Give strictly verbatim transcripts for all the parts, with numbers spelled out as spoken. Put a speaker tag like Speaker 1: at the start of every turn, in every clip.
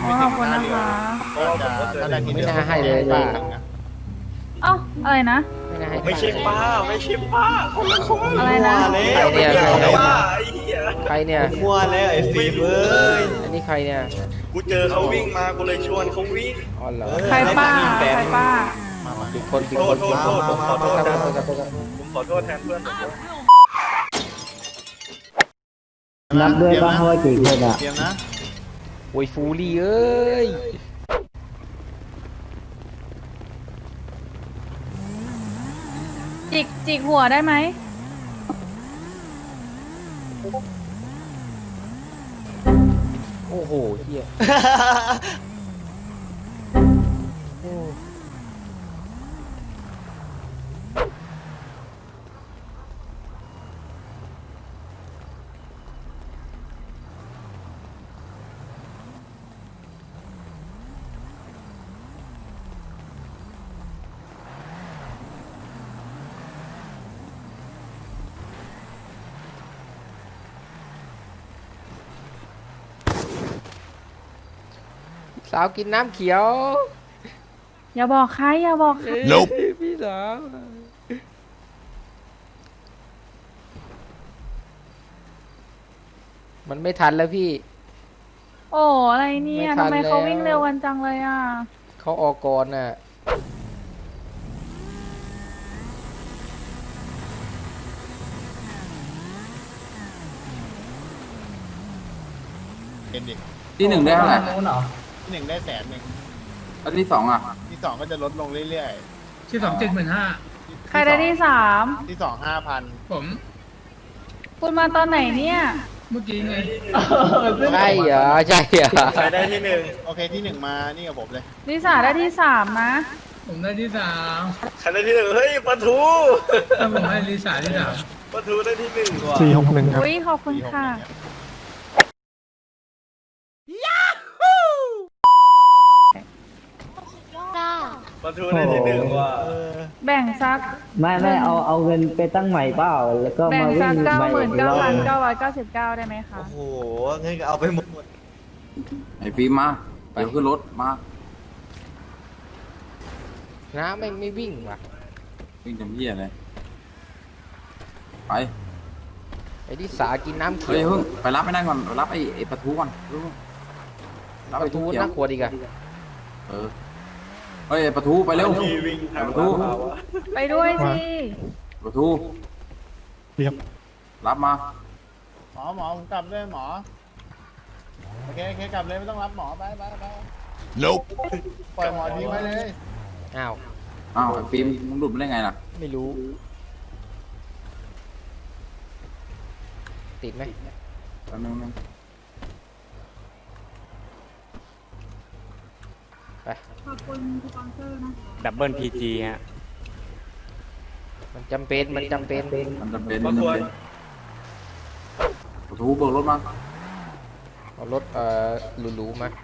Speaker 1: ไม่ถึงหน้าเรือก็จะถ้าได้ทีเดียวไม่น่าให้เลยป้า
Speaker 2: เอ้าอะไรนะ
Speaker 1: ไม่ใช่ป้าไม่ใช่ป้าคนละคน
Speaker 2: อะไรนะ
Speaker 1: ใครเนี่ยใครเนี่ย
Speaker 3: มั่วแล้วไอ้ฟีเอ้ย
Speaker 1: อันนี้ใครเนี่ยกูเจอเขาวิ่งมากูเลยชวนเขาวิ่งอ๋อเหรอ
Speaker 2: ใครป้าใครป้า
Speaker 1: ผิดคนผิดคนโทษโทษผมขอโทษแทนผมขอโทษแทนเพื่อนผม
Speaker 3: นับด้วยบ้างว่ากี่คนอ่ะ
Speaker 1: เตรียมนะโอ้ยฟูรี่เอ้ย
Speaker 2: จิกจิกหัวได้ไหม
Speaker 1: โอ้โหเฮียสาวกินน้ำเขียว
Speaker 2: อย่าบอกใครอย่าบอกใคร
Speaker 1: พี่สาวมันไม่ทันแล้วพี่
Speaker 2: โอ้อะไรเนี่ยทำไมเขาวิ่งเร็วกันจังเลยอ่ะ
Speaker 1: เขาออกก่อนน่ะเห็นดิ
Speaker 4: ที่หนึ่งได้เท่าไหร่
Speaker 1: ที่หนึ่งได้แสนหนึ่ง
Speaker 4: แล้วที่สองอ่ะ
Speaker 1: ที่สองก็จะลดลงเรื่อย
Speaker 5: ๆที่สองเจ็ดหมื่นห้า
Speaker 2: ใครได้ที่สาม
Speaker 1: ที่สองห้าพัน
Speaker 5: ผม
Speaker 2: คุณมาตอนไหนเนี่ย
Speaker 5: เมื่อกี้ไง
Speaker 1: ใช่เหรอใช่เหรอใครได้ที่หนึ่งโอเคที่หนึ่งมานี่กับผมเลย
Speaker 2: ลิซ่าได้ที่สามนะ
Speaker 5: ผมได้ที่สาม
Speaker 1: ใครได้ที่หนึ่งเฮ้ยปะทู
Speaker 5: ถ้าผมให้ลิซ่าที่สาม
Speaker 1: ปะทูได้ที่หนึ่งว่ะ
Speaker 3: สี่หกหนึ่งครับ
Speaker 2: อุ้ยขอบคุณค่ะ
Speaker 1: ปะทูได้ที่หนึ่งว่ะ
Speaker 2: แบ่งซัก
Speaker 3: ไม่ไม่เอาเอาเงินไปตั้งใหม่เปล่าแล้วก็
Speaker 2: มา
Speaker 3: วิ่ง
Speaker 2: เก้าหมื่นเก้าพันเก้าร้อยเก้าสิบเก้าได้ไหมคะ
Speaker 1: โอ้โหเงินก็เอาไปหมด
Speaker 4: ไอ้ฟิล์มมาไปขึ้นรถมา
Speaker 1: น้าไม่ไม่วิ่งว่ะ
Speaker 4: วิ่งจำเยี่ยเลยไป
Speaker 1: ไอ้ที่สากินน้ำเขียว
Speaker 4: เฮ้ยไปรับไม่ได้ก่อนรับไอ้ไอ้ปะทูก่อน
Speaker 1: รับปะทูน่ากลัวดีกัน
Speaker 4: เออเฮ้ยปะทูไปเร็วปะทู
Speaker 2: ไปด้วยสิ
Speaker 4: ปะทู
Speaker 3: เรียบ
Speaker 4: รับมา
Speaker 1: หมอหมอผมกลับเลยหมอโอเคโอเคกลับเลยไม่ต้องรับหมอไปไปไป Nope ปล่อยหมอทิ้งไว้เลยอ้าว
Speaker 4: อ้าวฟิล์มมึงหลุดมาได้ไงล่ะ
Speaker 1: ไม่รู้ติดไหม
Speaker 4: แป๊บนึงนึง
Speaker 1: ไป
Speaker 2: ขอบคุณสปอนเซอร์นะ
Speaker 6: ดับเบิลพีจีฮะ
Speaker 1: มันจำเป็นมันจำเป็น
Speaker 4: มันจำเป็นมันจำเป็นประตูเบิกรถมา
Speaker 1: เอารถเอ่อหรูๆมา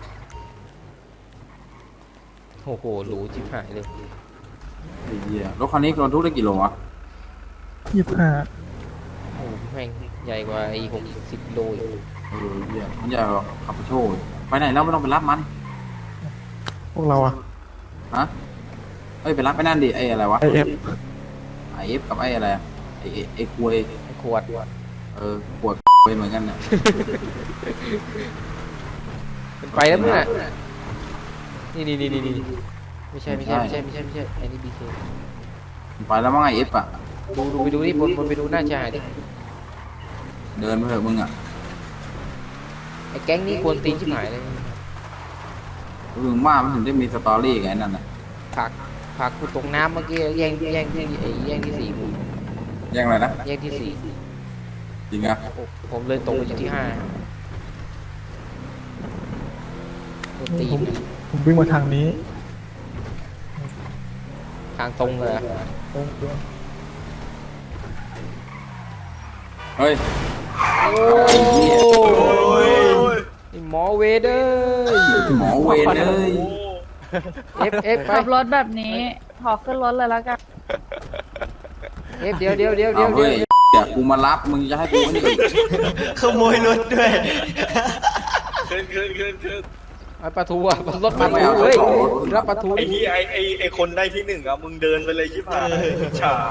Speaker 1: โอ้โหหรูชิบหายเลย
Speaker 4: ไอ้เหี้ยรถคันนี้รถทุกได้กี่โลวะ
Speaker 3: ยี่สิบห้า
Speaker 1: โอ้แม่งใหญ่กว่าไอ้หกสิบโลอยู่
Speaker 4: เออเหี้ยมันใหญ่กว่าขับโชว์ไปไหนแล้วไม่ต้องไปรับมัน
Speaker 3: พวกเราอะ
Speaker 4: ฮะเอ้ยไปรับไปนั่นดิไอ้อะไรวะ
Speaker 3: ไอเอฟ
Speaker 4: ไอเอฟกับไอ้อะไรไอ้ไอ้ขวด
Speaker 1: ไอ้ขวด
Speaker 4: เออขวดไปเหมือนกันเนี่ย
Speaker 1: เป็นไปแล้วมั้งนี่นี่นี่นี่นี่ไม่ใช่ไม่ใช่ไม่ใช่ไม่ใช่ไม่ใช่ไอ้นี่บีเค
Speaker 4: ไปแล้วมั้งไอเอฟอะ
Speaker 1: ดูดูไปดูนี่บนบนไปดูหน้าชายดิ
Speaker 4: เดินไปเถอะมึงอะ
Speaker 1: ไอ้แก๊งนี้ควรตีนชิบหายเลย
Speaker 4: มึงว่ามันถึงได้มีสตอรี่ไงนั่นน่ะ
Speaker 1: ผักผักกูตกน้ำเมื่อกี้แย่งแย่งที่ไอ้แย่งที่สี่ผม
Speaker 4: แย่งอะไรนะ
Speaker 1: แย่งที่สี่
Speaker 4: จริงอะ
Speaker 1: ผมเลยตกไปอยู่ที่ห้าตี
Speaker 3: ผมผมวิ่งมาทางนี้
Speaker 1: ทางตรงเลย
Speaker 4: เฮ้ย
Speaker 1: โอ้ยหมอเวเดอร์
Speaker 4: หมอเวเดอร์
Speaker 1: เอฟเอฟ
Speaker 2: ขับรถแบบนี้ขอขึ้นรถเลยแล้วกัน
Speaker 1: เอฟเดี๋ยวเดี๋ยวเดี๋ยวเดี๋ยวเดี๋ยว
Speaker 4: เดี๋ยวกูมารับมึงจะให้กูนี่
Speaker 3: ขโมยรถด้วย
Speaker 1: ขึ้นขึ้นขึ้นขึ้น
Speaker 6: ไอ้ปลาทูอ่ะรถปลาทูเฮ้ยรับปลาทู
Speaker 7: ไอ้ที่ไอ้ไอ้ไอ้คนได้ที่หนึ่งอะมึงเดินไปเลยชิบหายฉา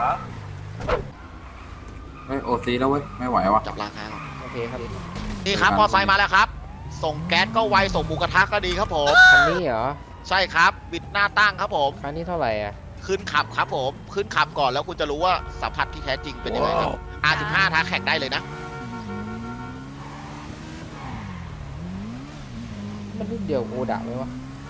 Speaker 4: เฮ้ยโอซีแล้วเว้ยไม่ไหววะ
Speaker 8: จับราคาก่อน
Speaker 6: โอเคครับ
Speaker 8: นี่ครับมอไซค์มาแล้วครับ ส่งแก๊สก็ไวส่งหมูกระทะก็ดีครับผม
Speaker 6: คันนี้เหรอ
Speaker 8: ใช่ครับบิดหน้าตั้งครับผม
Speaker 6: คันนี้เท่าไหร่อ่ะ
Speaker 8: ขึ้นขับครับผมขึ้นขับก่อนแล้วคุณจะรู้ว่าสัมผัสที่แท้จริงเป็นยังไงครับ อาร์ สิบห้า ท้าแข่งได้เลยนะ
Speaker 6: มันรุ่นเดียวโอดะไหมวะ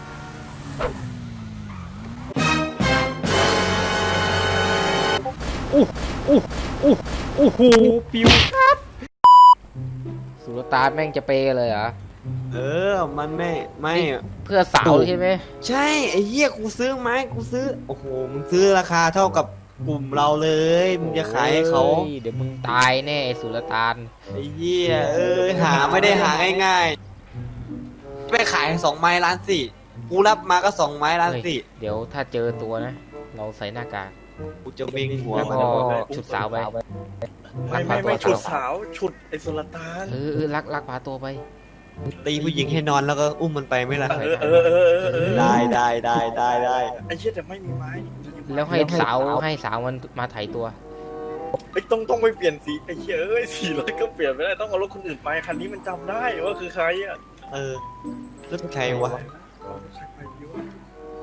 Speaker 6: อู้อู้อู้อู้หูปิวครับสุรตานแม่งจะเปย์เลยเหรอ
Speaker 9: เออ มันไม่ไม่
Speaker 6: เพื่อสาวใช่ไหม
Speaker 9: ใช่ไอ้เหี้ยกูซื้อไม้กูซื้อโอ้โหมึงซื้อราคาเท่ากับกลุ่มเราเลยมึงจะขายให้เขา
Speaker 6: ฮ้ยเดี๋ยวมึงตายแน่ไอ้สุรตาน
Speaker 9: ไอ้เหี้ยเออหาไม่ได้หาง่ายๆไปขายสองไม้ล้านสี่กูรับมาก็สองไม้ล้าน
Speaker 6: เฮ้ย
Speaker 9: สี่
Speaker 6: เดี๋ยวถ้าเจอตัวนะ เราใส่หน้ากาก
Speaker 9: กูจะวิ่งหัว
Speaker 6: แล้ว
Speaker 9: มัน
Speaker 6: ก็ฉุดสาวไป
Speaker 7: ไม่ไม่ไม่ฉุดสาวฉุดไอ้สุลต่าน
Speaker 6: เออเออลักลักพาตัวไป
Speaker 9: ตีผู้หญิงให้นอนแล้วก็อุ้มมันไปไม่ล่ะ
Speaker 7: เออเออเออเออ
Speaker 9: ได้ได้ได้ได้ได้
Speaker 7: ไอ้เชี่ยแต่ไม่มีไม้
Speaker 6: แล้วให้สาวให้สาวมันมาไถตัว
Speaker 7: ไอ้ต้องต้องไปเปลี่ยนสีไอ้เชี่ยเอ้ยสีรถก็เปลี่ยนไม่ได้ต้องเอารถคนอื่นไปคันนี้มันจำได้ว่าคือใครอะ
Speaker 9: เออรถใครวะ
Speaker 7: ใช่ใครวะ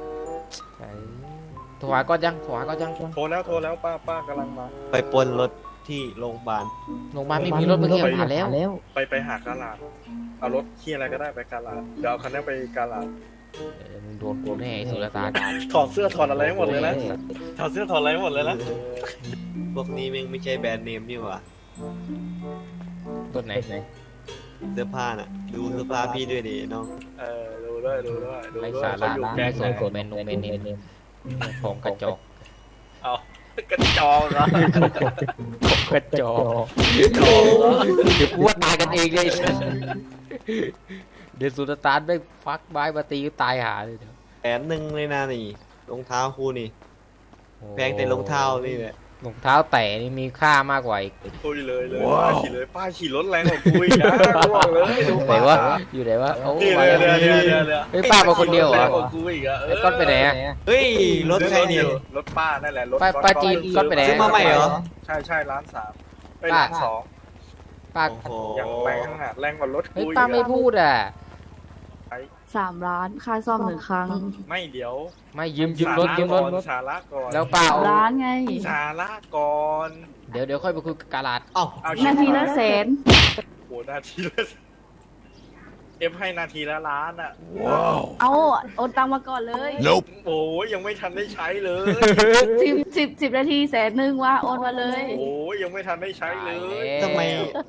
Speaker 6: โทรหาก็ยังโทรหาก็ยัง
Speaker 7: โทรแล้วโทรแล้วป้าป้ากำลังมา
Speaker 9: ไปปนรถที่โรงพยาบาล
Speaker 6: โรงพยาบาลไม่มีรถเมื่อกี้ผ่านแล้ว
Speaker 7: ไปไปหากาลาดเอารถเคียอะไรก็ได้ไปกาลาดเดี๋ยวเอาคันนี้ไปกาลาด
Speaker 6: เออมึงโดนกูแน่ไอ้สุรตาน
Speaker 7: ถอดเสื้อถอดอะไรให้หมดเลยนะถอดเสื้อถอดอะไรให้หมดเลยนะ
Speaker 9: พวกนี้แม่งไม่ใช่แบรนด์เนมนี่หว่า
Speaker 6: ต้นไหน
Speaker 9: เสื้อผ้าน่ะ ดูเสื้อผ้าพี่ด้วยดิน้อง
Speaker 7: เออดูด้วยดูด้วยดู
Speaker 6: ไร้
Speaker 7: ด้วย
Speaker 6: สาระ
Speaker 7: เขาอยู่
Speaker 6: ไม่
Speaker 7: แก๊ง
Speaker 6: ส
Speaker 7: ไห
Speaker 6: น
Speaker 7: น
Speaker 6: กดเมนูเมนูของกระจอก
Speaker 7: เอากระจอกเหรอก
Speaker 6: ระจอกเดี๋ยวกูว่าตายกันเองเลย เดี๋ยวสุรตานไม่ฟักไม้มาตีก็ตายหาเลยเดี๋ยว
Speaker 9: แสนหนึ่งเลยนะนี่รองเท้าคู่นี่แพงแต่รองเท้านี่แหละ
Speaker 6: รองเท้าแตะนี่มีค่ามากกว่าอีก
Speaker 7: คุยเลยเลยป้าขี่เลยป้าขี่รถแรงกว่ากูอีกนะกูบอกเลยดู
Speaker 6: ไหน
Speaker 7: ป้าว
Speaker 6: ะอยู่ไหนวะโอ้
Speaker 7: นี่
Speaker 6: มา
Speaker 7: เลย
Speaker 6: แล้ว
Speaker 7: เลยเลยเลย
Speaker 6: เฮ้ยป้ามาคนเดียวเหรอ
Speaker 7: แรงกว่ากูอีกอะ
Speaker 6: ไอ้ก้อนไปไหนอะ
Speaker 9: เฮ้ยรถใครเนี่ย
Speaker 7: รถป้านั่นแหละรถ
Speaker 6: ป้าป้าจีนก้อนไปไหน
Speaker 9: ซื้อมาใหม่เหรอ
Speaker 7: ใช่ใช่ร้านสามไปร้านสอง
Speaker 6: ป้า
Speaker 9: โอ้โห
Speaker 7: อย่างแรงอะแรงกว่ารถ
Speaker 6: เฮ้ย
Speaker 7: กูอีก
Speaker 6: ป้าไม่พูดอ่ะ
Speaker 2: สามล้านค่าซ่อมหนึ่งครั้ง
Speaker 7: ไม่เดี๋ยว
Speaker 6: ไม่ยืมยืมรถยืมรถรถ
Speaker 7: สาระก่อน
Speaker 6: แล้วป้า
Speaker 2: สาม
Speaker 6: เอา
Speaker 2: ล้านไง
Speaker 7: สาระก่อน
Speaker 6: เดี๋ยวเดี๋ยวค่อยไปคุยกับกาลาด
Speaker 9: เอ้า
Speaker 7: เอา
Speaker 2: นาทีละแสน
Speaker 7: โหนาทีละเอฟให้นาทีละล้านอ่ะ
Speaker 2: เอาโอนตังมาก่อนเลย
Speaker 7: โอ้ยยังไม่ทันได้ใช้เลย
Speaker 2: สิบสิบสิบนาทีแสนหนึ่งว่าโอนมาเลย
Speaker 7: โอ้ยยังไม่ทันได้ใช้เลย
Speaker 9: ทำไม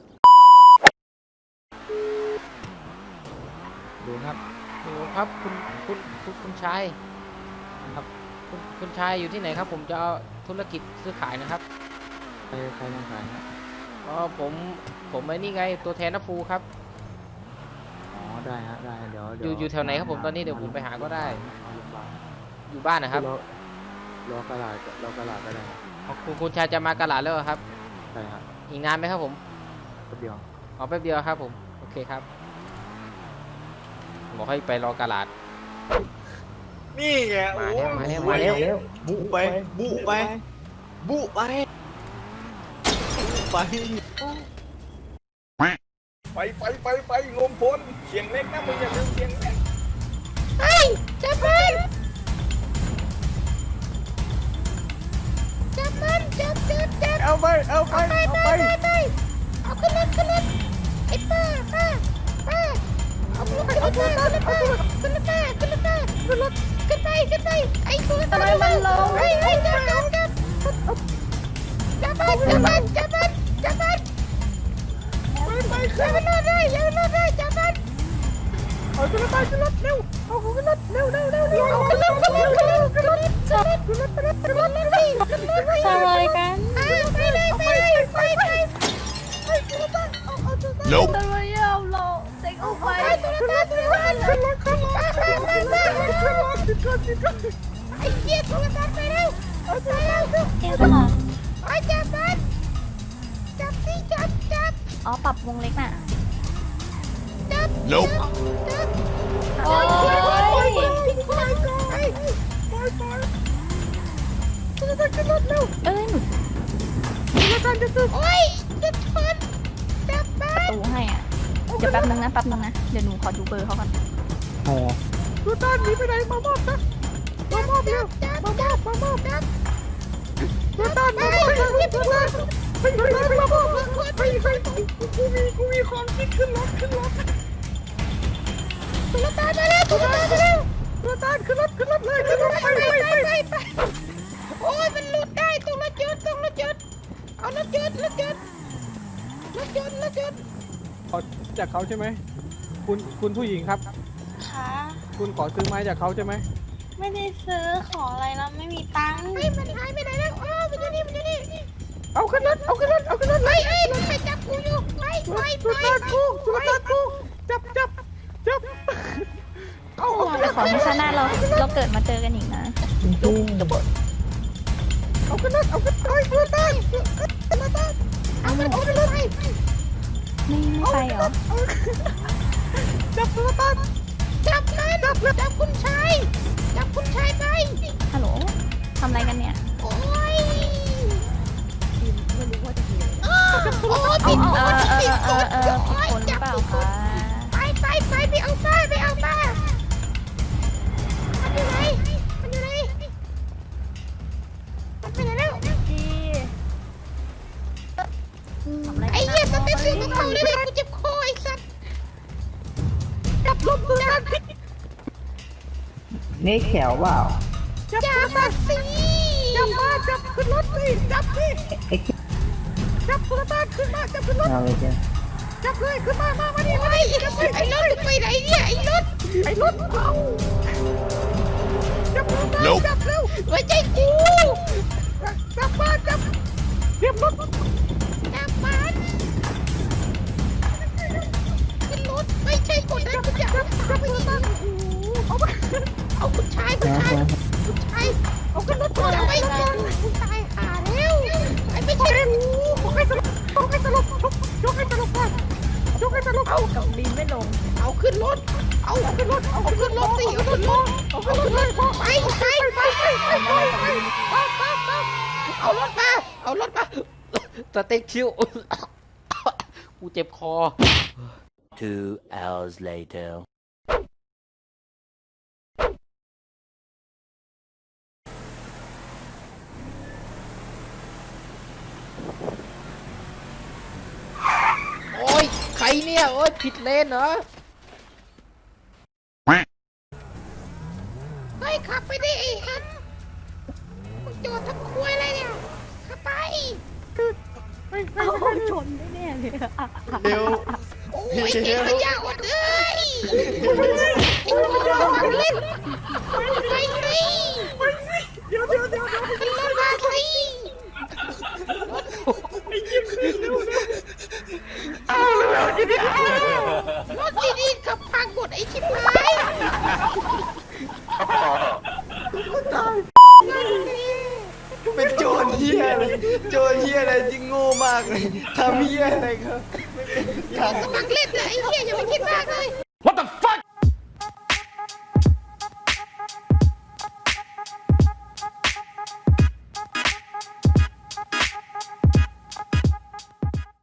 Speaker 6: ดูครับดูครับคุณคุณคุณคุณชายครับคุณคุณชายอยู่ที่ไหนครับ ผมจะเอาธุรกิจซื้อขายนะครับใครใครมาขายครับอ๋อผมผมไอ้นี่ไงตัวแทนนับฟูครับอ๋อได้ฮะได้เดี๋ยวอยู่อยู่แถวไหนครับผมตอนนี้เดี๋ยวผมไปหาก็ได้ อยู่บ้านนะครับรอกระดาษรอกระดาษก็ได้คุณคุณชายจะมากระดาษแล้วเหรอครับใช่ครับอีกนานไหมครับผมแป๊บเดียวอ๋อแป๊บเดียวครับผมโอเคครับบอกให้ไปรอกระดาษ
Speaker 7: นี่ไงโอ้
Speaker 6: มาแล้วมาแล้วมาแล้ว
Speaker 9: บุไปบุไปบุไปบุไป
Speaker 7: ไปไปไปไปลมพลเสียงเล็กนะมึงอย่าลืมเสียงเล็ก
Speaker 2: จับมันจับมันจับจับจับ
Speaker 7: เอาไปเอาไปเอาไป
Speaker 2: เอาขึ้นรถขึ้นรถไอ้ป้าป้าป้าเอาขึ้นรถขึ้นรถขึ้นรถป้าขึ้นรถป้าขึ้นรถป้าขึ้นรถขึ้นไปขึ้นไปไอ้ตัวทำไมมันลงไอ้ไอ้จับจับจับจับมันจับมันจับมันจับมันไปไปขึ้นรถได้ยังรถได้จับมันเอาขึ้นรถไปขึ้นรถเร็วเอาขึ้นรถเร็วเร็วเร็วเร็วเอาขึ้นรถขึ้นรถขึ้นรถขึ้นรถขึ้นรถขึ้นรถขึ้นรถขึ้นรถขึ้นรถทำอะไรกันไปเลยไปเลยไปไปไปขึ้นรถเอาเอาตัวนั้น
Speaker 8: Nope
Speaker 2: ทำไมเอาเราเด็กออกไปตัวนั้นตัวนั้นขึ้นรถขึ้นรถขึ้นรถขึ้นรถขึ้นรถขึ้นรถขึ้นรถไอ้เหี้ยตัวนั้นไปเร็วเอาไปเร็วเอ็มไอ้จับมันจับสิจับจับอ๋อปรับวงเล็กน่ะจับ
Speaker 8: Nope
Speaker 2: จับโอ้สุดโอ้ยจะชนจับไป
Speaker 10: ตูให้อ่ะ เดี๋ยวแป๊บนึงนะแป๊บนึงนะ เดี๋ยวหนูขอดูเบอร์เขาก่อน
Speaker 3: อ๋อ
Speaker 2: ดูตอนหนีไปไหนมามอบนะมามอบเร็วมามอบมามอบนะดูตอนมามอบนะดูตอนไปไปไปมามอบไปไปกูมีกูมีความคิดขึ้นรถขึ้นรถดูตอนมาแล้วดูตอนมาแล้วดูตอนขึ้นรถขึ้นรถเลยขึ้นรถไปไปไปไปไปโอ้ยมันหลุดได้ตรงรถยนต์ตรงรถยนต์เอารถยนต์รถยนต์รถยนต์รถยนต์
Speaker 3: จากเขาใช่ไหมคุณคุณผู้หญิงครับ
Speaker 10: ค่ะ
Speaker 3: คุณขอซื้อไม้จากเขาใช่ไหม
Speaker 10: ไม่ได้ซื้อขออะไรแล้วไม่มีตังค์
Speaker 2: เฮ้ยมันหายไปไหนแล้วอ้าวมันอยู่นี่มันอยู่นี่เอาขึ้นรถเอาขึ้นรถเอาขึ้นรถเฮ้ยเฮ้ยรถใครจับกูอยู่ไปไปไปสุดากูสุดากูจับจับจับเอา
Speaker 10: ขอให้ชาติหน้าเราเราเกิดมาเจอกันอีกนะ
Speaker 2: เอาขึ้นรถเอาขึ้นรถสุดาสุดาเอามันเอาขึ้นรถไป
Speaker 10: ไม่ไม่ไปเหรอ
Speaker 2: จับสุดาจับมันจับจับคุณชายจับคุณชายไป
Speaker 10: ฮัลโหลทำอะไรกันเนี่ย
Speaker 2: โอ้ยไม่รู้ว่าจะโอ้
Speaker 10: เอา
Speaker 2: ผิด
Speaker 10: เอา
Speaker 2: คน
Speaker 10: เออเอ
Speaker 2: ผิด
Speaker 10: อ
Speaker 2: ค
Speaker 10: เออน เออผิดคนหรือเปล่าคะ
Speaker 2: ไปไปไปไปเอาป้าไปเอาป้ามันอยู่ไหนมันอยู่ไหนมันไปไหนแล้ว
Speaker 10: จีทำอะไร
Speaker 2: ไอ้เหี้ยสเต็ปสูงของเขาเลยเลยกูเจ็บคอไอ้สัตว์จับลมตัวนั้น
Speaker 3: นี่แขวเปล่า
Speaker 2: จับมาสิจับมาจับขึ้นรถสิจับสิจับตัวบ้านขึ้นมาจับขึ้นรถ
Speaker 3: เอาเลยจ้ะ
Speaker 2: จับเลยขึ้นมามามาดิมาดิจับไปไอ้รถไปไหนเนี่ยไอ้รถไอ้รถเอาจับตัวบ้านจับเร็วไม่ใช่กูจับบ้านจับเรียบรถจับบ้านขึ้นรถไม่ใช่คนนั้นกูจะจับจับไปที่บ้านเอาไปเอาคุณชายคุณชายคุณชายเอาขึ้นรถจับไปก่อนคุณชายหาแล้วไอ้ไม่ใช่กูบอกให้สลบบอกให้สลบยกให้สลบก่อนยกให้สลบเอา
Speaker 10: กับบินไม่ลง
Speaker 2: เอาขึ้นรถ เอาขึ้นรถ เอาขึ้นรถสิ เอาขึ้นรถ เอาขึ้นรถไปไปไปไปไปไปไปไปเอารถมา เอารถมา
Speaker 6: สเต็กชิว กูเจ็บคอ
Speaker 9: Two hours later
Speaker 6: โอ้ยใครเนี่ย โอ้ยผิดเลนเหรอ
Speaker 2: เฮ้ยขับไปดิไอ้ฮันมึงจอดทำครัวอะไรเนี่ย ขับไป
Speaker 10: เอาชนได้แน่เลยอะ
Speaker 1: เร็ว
Speaker 2: โอ้ยเด็กขยะอดเลยไอ้คนเราฟังเล่นไปสิไปสิเดี๋ยวเดี๋ยวเดี๋ยวขึ้นรถมาสิรถดีๆขับพังหมดไอ้ชิบหาย
Speaker 9: เป็นโจรเฮียเลยโจรเฮียอะไรที่โง่มากเลยทำเฮียอะไรครับ
Speaker 2: สมัครเล่นนะไอ้เหี้ยอย่าไปคิดมากเลย